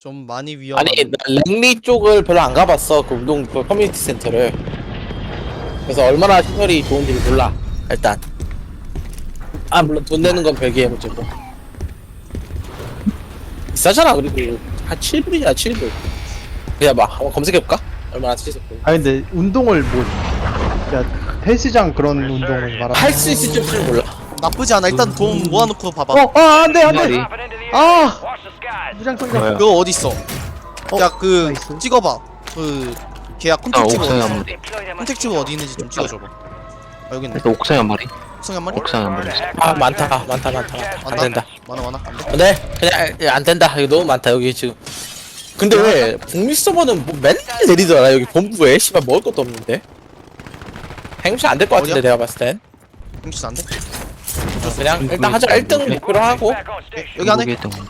좀 많이 위험한. 아니 나 랭리 쪽을 별로 안 가봤어. 그 운동 그 커뮤니티 센터를. 그래서 얼마나 시설이 좋은지를 몰라 일단. 아 물론 돈 내는 건 별개의 문제고. 비싸잖아. 그리고 한 7불이야 7불. 그냥 봐 한번 검색해볼까? 얼마나 치겠고. 아 근데 운동을 뭐, 야 헬스장 그런 운동을 말하는. 할 수 있을지 없을지 몰라. 나쁘지 않아. 일단 돈 모아놓고 봐봐. 안돼 안돼. 아 무장 성격. 뭐야? 그거 어디 있어? 야 그 나이스. 찍어봐. 그 계약 아 컨택 찍어. 옥상에 한 마리. 컨택 찍어 어디 있는지 좀 찍어줘봐. 아 여기 있네. 일단 옥상에 한 마리. 옥상에 한 마리? 옥상에 한 마리 있어. 아 많다. 안 된다. 많아. 안 돼. 근데 그냥 안 된다. 이거 너무 많다 여기 지금. 근데 왜 북미 서버는 뭐 맨날 내리더라 여기 본부에 씨발 먹을 것도 없는데. 행시 안 될 것 같은데 어디야? 내가 봤을 땐. 혹시 안 돼? 그냥 일단 하자 1등 목표로 하고 여기 안에? 한국에 있던 거.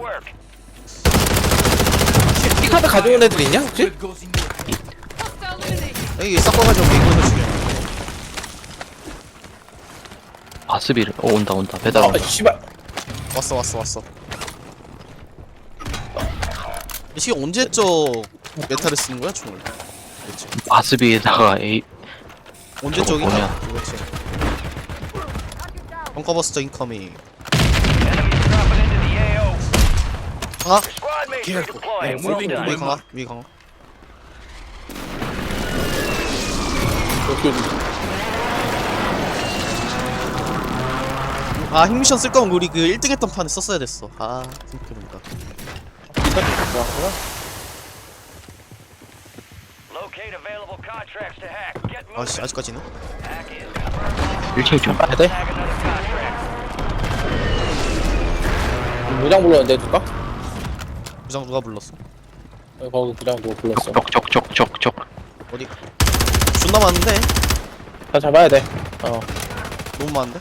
키카드 가져온 애들 있냐 혹시? 여기 섞어가지고 이거 죽여. 바스비를. 온다. 배달 아 온다. 씨발. 왔어. 이 시기 언제적 메타를 쓰는 거야 총을? 그렇지. 바스비에다가 A. 언제적이냐? 뭐냐? 그렇지. 벙커버스터 인커밍. 강아? 위 강아. 아 핵미션 쓸 거면 우리 그 1등 했던 판에 썼어야 됐어. 아 생각해보니까. 아씨 아직까지는? 1층 좀. 해야 돼? 무장 불렀는데 누가? 부장 누가 불렀어? 거기 무장 누가 불렀어? 적. 어디? 존나 많은데? 다 잡아야 돼. 너무 많은데?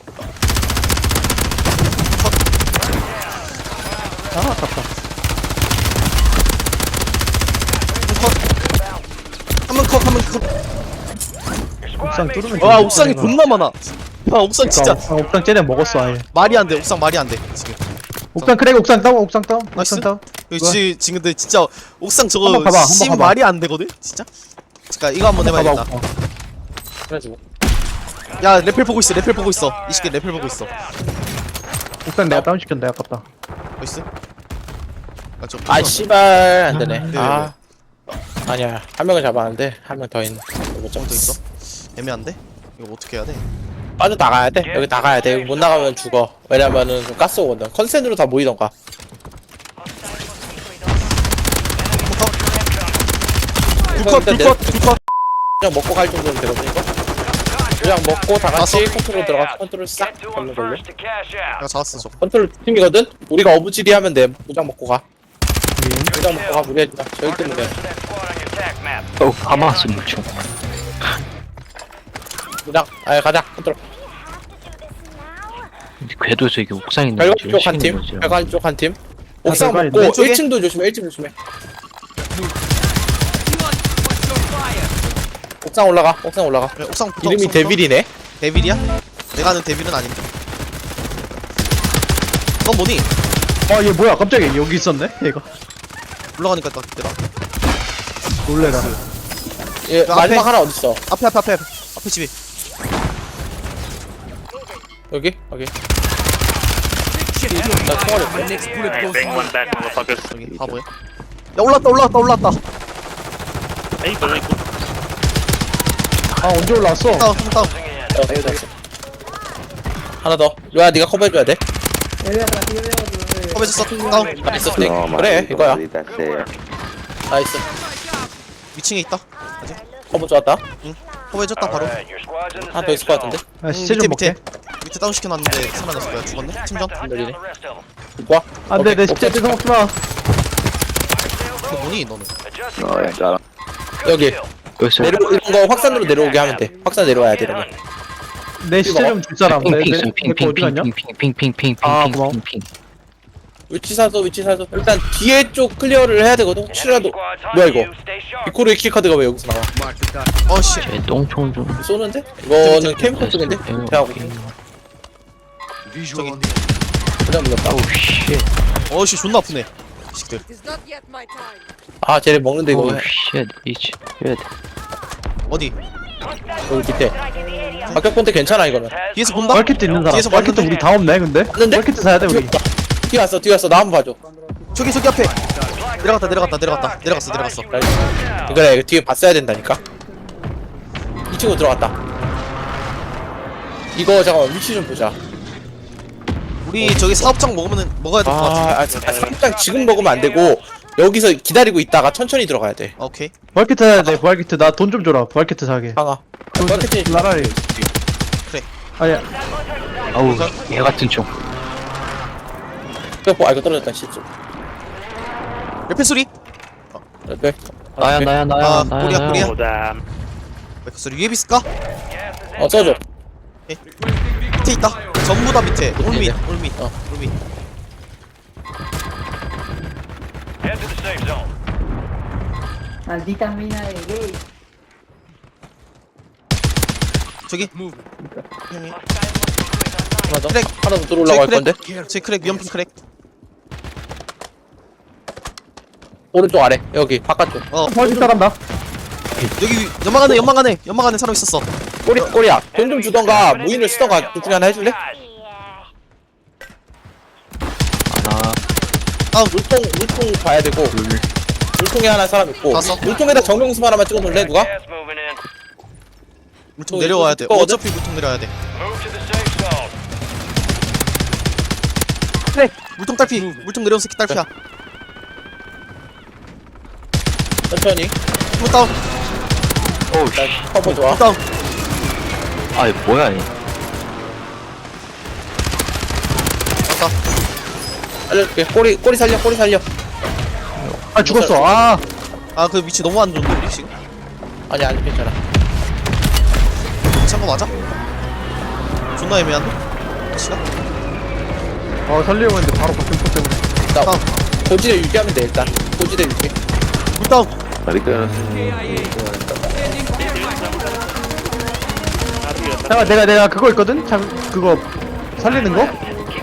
아깝다. 한명 컷. 옥상 뚫으면. 와 옥상이 존나 많아. 아 옥상 진짜 옥상 쟤네 먹었어 아예. 말이 안 돼. 옥상 말이 안 돼. 지금. 옥상 크랙 옥상 다운. 옥상 나이스. 다운. 여기 지금 근데 진짜 옥상 저거 한번 봐봐, 한번 심 봐봐. 말이 안 되거든. 진짜. 잠깐 이거 한번 해봐야겠다. 그래가지고. 야 레펠 보고 있어. 이 새끼 레펠 보고 있어. 옥상 내가 다운 시켰는데 아깝다. 나이스. 저 아 씨발 안 되네. 네, 아 아니야 한 명을 잡았는데 한 명 더 있네. 못 더 잡고 있어? 있어. 애매한데? 이거 어떻게 해야 돼? 빠져 나가야 돼. 여기 나가야 돼. 여기 못 나가면 죽어. 왜냐면은 좀 가스 오거든. 컨센으로 다 모이던가. 둘컷 그냥 먹고 갈 정도면 되거든 이거. 그냥 먹고 다 같이 컨트롤 들어가. 컨트롤 싹 잡는 걸로. 내가 잡았어 저거. 컨트롤 팀이거든. 우리가 어부지리 하면 돼. 무장 먹고 가. 무장 먹고 가. 우리 해주자. 저희 때문에 돼. 하마스 물총. 무장. 아 가자. 컨트롤. 궤도에서 이게 옥상에 있는 별관 거지. 쪽한 팀. 별관 쪽한 팀. 옥상 별관이 먹고 왼쪽에? 1층도 조심해. 1층 조심해. 옥상 올라가. 그래, 옥상 붙어. 이름이 옥상 붙어. 데빌이네. 데빌이야? 내가 아는 데빌은 아닌데. 넌 뭐니? 얘 뭐야 깜짝이야 여기 있었네 얘가. 올라가니까 딱 있더라. 놀래라. 얘 그 마지막 앞에. 하나 어딨어? 앞에 집에. 여기? 나 총알이 없어. 여기 바보야. 야 올랐다. 언제 올라왔어? 다운. 하나 더. 로야 네가 커버해줘야 돼. 커버해줬어. 다운. 나이스 스틱. 그래 이거야. 나이스. 위층에 있다. 커버 좋았다. 커버해줬다 바로. 하나 더 있을 것 같은데. 시체 좀 먹게. 밑에 다운 시켜놨는데 살아났을 거야. 죽었네. 팀전. ner리네. 좋아. 안돼 내 오케이, 시체 오케이. 뜯어 먹지마. 너 뭐니 너는? 여기 여기서 이런 거 확산으로 내려오게 하면 돼. 확산 내려와야 돼 이러면. 내 시체 좀 줄 사람. 핑핑 있어. 내거 어디 갔냐? 아, 고마워. 핑핑핑핑핑핑핑핑핑. 위치 사서. 일단 뒤에 쪽 클리어를 해야 되거든. 혹시라도 뭐야 이거? 비코르의 키카드가 왜 여기서 나와? 어씨. 제 똥총 좀. 쏘는데? 이거는 캠프 쪽인데? 대하고 저기. 그냥 물렸다. 오우 쉣. 어씨 존나 아프네. 식들. It's not yet my time. 아 쟤네 먹는데 이거 오 쉣 이치 쉣 어디? 여기 밑에 가격 본때 괜찮아 이거는. 뒤에서 본다? 마켓트 있는 사람. 뒤에서 마켓트 봤는데? 우리 다 없네 근데. 맞는데? 마켓트 사야 돼 우리. 뛰어왔어 나 한번 봐줘. 저기 앞에. 내려갔어. 그래 이거 뒤에 봤어야 된다니까. 이 친구 들어갔다. 이거 잠깐만 위치 좀 보자. 우리 저기 사업장 먹어야 될 것 같아. 상장 지금 먹으면 안 되고 여기서 기다리고 있다가 천천히 들어가야 돼. 오케이. 부활키트 사야 돼. 부활키트 나 돈 좀 줘라. 부활키트 사게. 강아. 마케팅 나라리. 그래. 아니야. 아우 얘 같은 총 이거 떨어졌다 실수. 옆에 소리. 네. 나야 아, 나야 꼬리야. 옆에 소리 위에 비스까? 써줘. 밑에 있다. 전부 다 밑에. 올밑. 올밑. Maldita mina de gay. 저기. 하나 더. 크랙. 하나 더 들어올라고 할 건데. 제 크랙 위험핀 크랙. 오른쪽 아래. 여기 바깥쪽. 부활키트 간다. 여기 연막 안에 사람 있었어. 꼬리야. 돈 좀 주던가 무인을 쓰던가 둘 중에 하나 해줄래? 하나 물통 봐야 되고. 물통에 하나 사람 있고. 봤어? 물통에다 정명수 하나만 찍어놓을래 누가? 물통 내려와야 돼. 두꺼거든? 어차피 물통 내려야 돼. 물통 딸피. 물통 내려온 새끼 딸피야. 천천히. 물 다운. 오우 나 커버 좋아. 물 다운. 아 뭐야 얘 왔다. 알려줄게. 꼬리 살려. 아 죽었어. 아. 아 그 위치 너무 안 좋은데 우리 지금. 아니 괜찮아. 괜찮은 거 맞아? 존나 애매한데? 시간? 살리려고 했는데 바로 바뀐 것 때문에. 나 다운. 고지대 유지하면 돼 일단. 고지대 유지. 물 다운. 잠깐 내가 그거 있거든. 그거 살리는 거?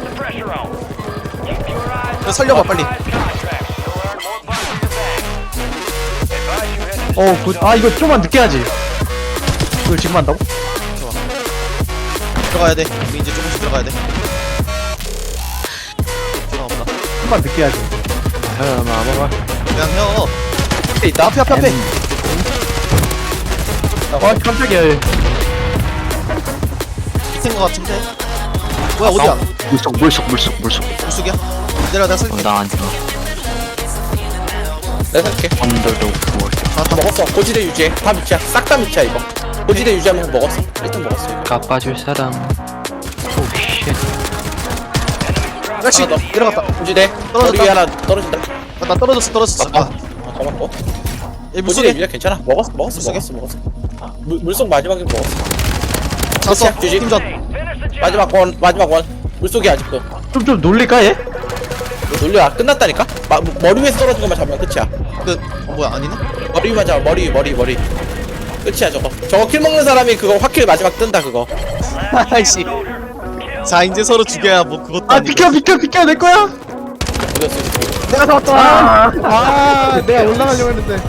그래, 살려봐 빨리. 아 이거 좀만 늦게 하지. 이걸 지금 한다고? 들어가야 돼. 우리 이제 조금씩 들어가야 돼. 들어가보다. 좀만 늦게 하지. 그냥 해요. 앞에 있다. 앞에. 깜짝이야. 밑인 거 같은데. 뭐야 어디야? 물속 물속이야? 내가 살게. 나안 내가 살게. 언더도 뭐 다 먹었어. 고지대 유지해. 다 밑이야. 싹 다 밑이야 이거. 고지대 유지하면서 먹었어. 일단 먹었어. 이거. 갚아줄 사람 오쉣 역시 하나 더. 내려갔다. 고지대. 떨어졌다. 머리 위에 하나 떨어진다. 나 떨어졌어. 잡았고. 얘 고지대 물속에 유지야 괜찮아. 먹었어. 물속에? 물속 마지막에 먹었어. 잤어. 끝이야, 유지. 팀전. 마지막 원. 물속이 아직도. 좀 놀릴까 얘? 놀려. 끝났다니까. 머리 위에서 떨어진 것만 잡으면 끝이야. 뭐야 아니네? 머리 위만 잡아. 머리. 끝이야 저거. 저거 킬 먹는 사람이 그거 확킬 마지막 뜬다 그거. 아이씨. 자 이제 서로 죽여야 뭐 그것도 아 아니고. 비켜 내 거야. 이겼어. 이거. 내가 잡았다. 내가 올라가려고 했는데.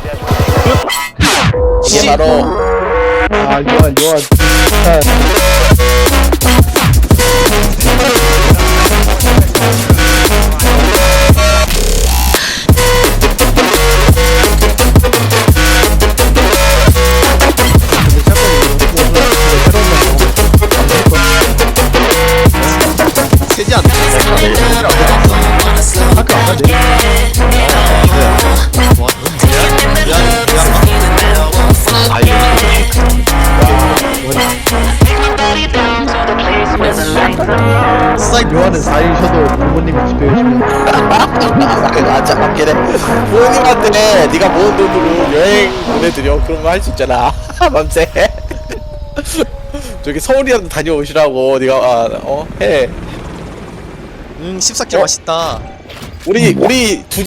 이게 바로 요한. 세지 않네. 학교 안 가지. 아 요한은 4일 쉬어도 부모님이 집에 오시면 맞아 맞긴 해. 부모님한테 네가 모은 돈으로 여행 보내드려. 그런 거 할 수 있잖아. 맘새. 저기 서울이라도 다녀오시라고 네가 해. 14개 맛있다. 우리 두